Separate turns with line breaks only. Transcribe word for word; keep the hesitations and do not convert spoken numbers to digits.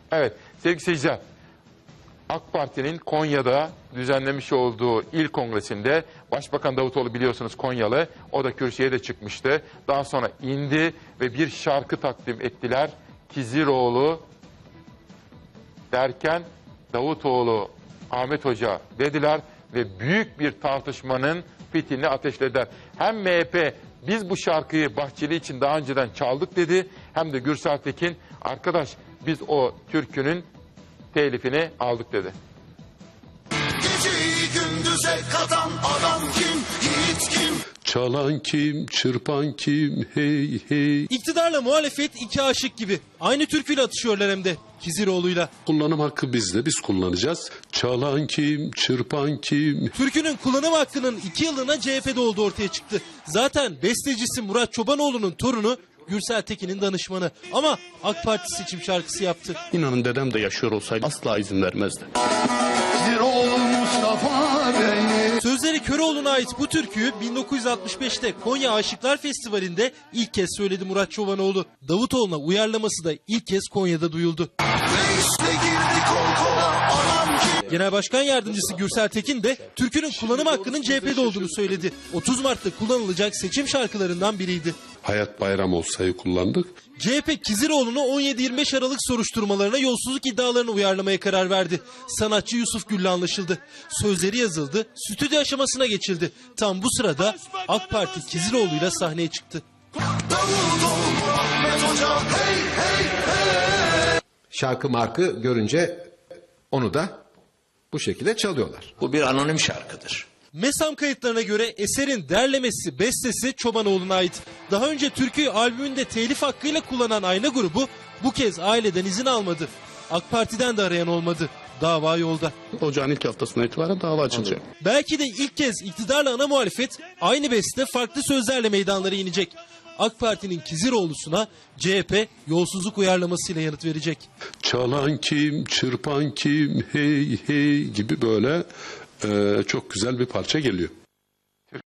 Evet sevgili seyirciler, AK Parti'nin Konya'da düzenlemiş olduğu il kongresinde Başbakan Davutoğlu biliyorsunuz Konyalı, o da kürsüye de çıkmıştı. Daha sonra indi ve bir şarkı takdim ettiler. Kiziroğlu derken Davutoğlu Ahmet Hoca dediler ve büyük bir tartışmanın fitilini ateşlediler. Hem M H P biz bu şarkıyı Bahçeli için daha önceden çaldık dedi, hem de Gürsel Tekin arkadaş biz o türkünün telifini aldık dedi.
Geceyi gündüze katan adam kim, yiğit kim?
Çalan kim, çırpan kim, hey hey.
İktidarla muhalefet iki aşık gibi. Aynı türküyle atışıyorlar hem de Kiziroğlu'yla.
Kullanım hakkı bizde, biz kullanacağız. Çalan kim, çırpan kim.
Türkünün kullanım hakkının iki yıllığına C H P'de olduğu ortaya çıktı. Zaten bestecisi Murat Çobanoğlu'nun torunu Gürsel Tekin'in danışmanı. Ama AK Parti seçim şarkısı yaptı.
İnanın dedem de yaşıyor olsaydı asla izin vermezdi.
Sözleri Köroğlu'na ait bu türküyü bin dokuz yüz altmış beşte Konya Aşıklar Festivali'nde ilk kez söyledi Murat Çobanoğlu. Davutoğlu'na uyarlaması da ilk kez Konya'da duyuldu. Genel Başkan Yardımcısı Gürsel Tekin de türkünün kullanım hakkının C H P'de olduğunu söyledi. otuz Mart'ta kullanılacak seçim şarkılarından biriydi.
Hayat Bayram olsaydı kullandık.
C H P Kiziroğlu'nu on yedi yirmi beş Aralık soruşturmalarına yolsuzluk iddialarını uyarlamaya karar verdi. Sanatçı Yusuf Gül'le anlaşıldı. Sözleri yazıldı, stüdyo aşamasına geçildi. Tam bu sırada AK Parti Kiziroğlu'yla sahneye çıktı.
Şarkı markı görünce onu da bu şekilde çalıyorlar.
Bu bir anonim şarkıdır.
MESAM kayıtlarına göre eserin derlemesi, bestesi Çobanoğlu'na ait. Daha önce türküyü albümünde telif hakkıyla kullanan Ayna grubu bu kez aileden izin almadı. AK Parti'den de arayan olmadı. Dava yolda.
Ocağın ilk haftasına itibaren dava açılacak.
Belki de ilk kez iktidarla ana muhalefet aynı beste farklı sözlerle meydanlara inecek. AK Parti'nin Kiziroğlu'suna C H P yolsuzluk uyarlamasıyla yanıt verecek.
Çalan kim, çırpan kim, hey hey gibi böyle e, çok güzel bir parça geliyor.